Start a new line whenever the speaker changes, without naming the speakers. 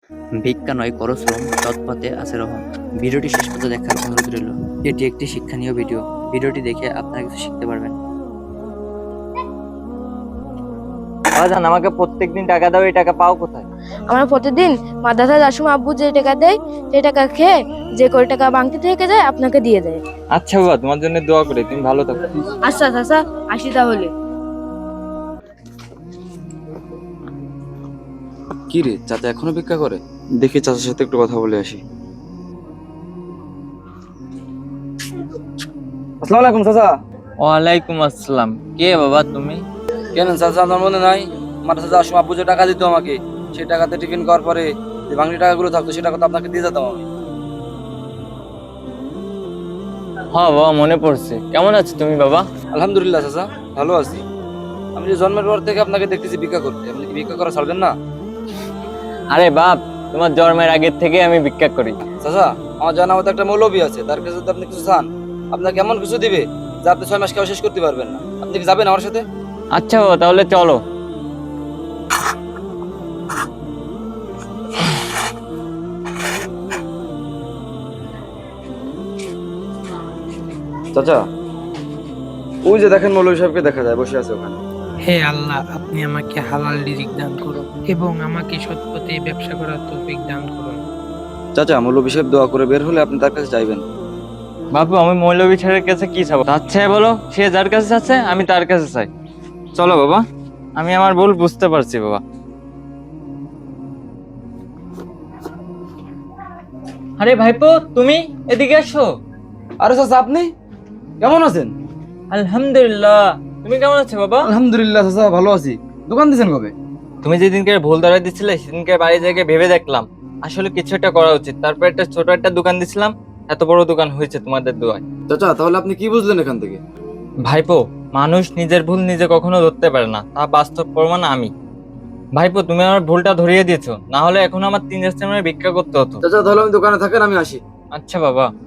ভিক্ষা নয় করো শ্রম, সৎপথে আছে রহম। ভিডিওটি শেষ পর্যন্ত দেখার অনুরোধ রইল। এটি একটি শিক্ষণীয় ভিডিও। ভিডিওটি দেখে আপনারা কিছু শিখতে পারবেন।
বাজান, আমাকে প্রত্যেকদিন টাকা দাও, এই টাকা পাও কোথায়?
আমরা প্রতিদিন মাদ্রাসায় যাওয়ার সময় আব্বু যে টাকা দেয় সেই টাকা খেয়ে যে কয় টাকা বাংতি থেকে যায় আপনাকে দিয়ে দেয়।
আচ্ছা বাবা, তোমার জন্য দোয়া করি, তুমি ভালো থাকো।
আচ্ছা চাচা, আসি তাহলে।
কি রে, চাচা এখনো ভিক্ষা করে? দেখি চাচার সাথে একটু কথা বলে আসি। আসসালামু আলাইকুম চাচা।
ওয়ালাইকুম আসসালাম। কে বাবা তুমি?
কেন চাচা, আপনার মনে নাই মাদ্রাসা যাওয়ার সময় আব্বু যে টাকা দিত আমাকে, সেই টাকাতে টিফিন করার পরে যে বাংলা টাকাগুলো থাকতো সেই টাকা তো আপনাকে দিয়ে যেতাম আমি।
হ্যাঁ বাবা, মনে পড়ছে। কেমন আছো তুমি বাবা?
আলহামদুলিল্লাহ চাচা, ভালো আছি। আমি যে জন্মের পর থেকে আপনাকে দেখতেছি ভিক্ষা করতে, আপনি কি ভিক্ষা করা ছাড়বেন না?
আরে বাপ, তোমার জন্মের আগের থেকে আমি ভিক্ষা করি।
চাচা, আমার জানা মতো একটা মৌলবী আছে, তার কাছে যদি আপনি কিছু চান আপনাকে এমন কিছু দিবে যা আপনি 6 মাস কেউ শেষ করতে পারবেন না। আপনি কি যাবেন আমার সাথে?
আচ্ছা বাবা, তাহলে চলো।
চাচা, ওই যে দেখেন মৌলবী সাহেবকে দেখা যায় বসে আছে ওখানে।
হে আল্লাহ, আপনি আমাকে হালাল রিজিক দান করুন এবং আমাকে সৎ পথে ব্যবসা করার তৌফিক দান করুন।
চাচা, মৌলবী সাহেব দোয়া করে বের হলে আপনি তার কাছে যাইবেন।
বাপু, আমি মৌলভী ছেলের কাছে কি চাবো? আচ্ছা বলো, সে যার কাছে যাচ্ছে আমি তার কাছে চাই। চলো বাবা, আমি আমার ভুল বুঝতে পারছি বাবা। আরে ভাইপো, তুমি এদিকে আসো।
আরে চাচা, আপনি কেমন আছেন?
আলহামদুলিল্লাহ। তুমি কেমন আছো বাবা?
আলহামদুলিল্লাহ চাচা, ভালো আছি। দোকান দিয়েছেন কবে?
তুমি যেদিনকে ভুল ধরাই দিছিলে সেদিনকে বাড়ি থেকে ভেবে দেখলাম আসলে কিছু একটা করা উচিত, তারপর একটা ছোট একটা দোকান দিছিলাম। এত বড় দোকান হয়েছে তোমাদের দোয়ায়।
চাচা, তাহলে আপনি কি বুঝলেন এখান থেকে?
ভাইপো, মানুষ নিজের ভুল নিজে কখনো ধরতে পারে না, তা বাস্তব প্রমাণ আমি। ভাইপো, তুমি আমার ভুলটা ধরিয়ে দিয়েছো, না হলে এখন আমার 3 রাস্তায় ভিক্ষা করতে হতো।
চাচা, তাহলে আমি দোকানে থাকেন, আমি আসি।
আচ্ছা বাবা।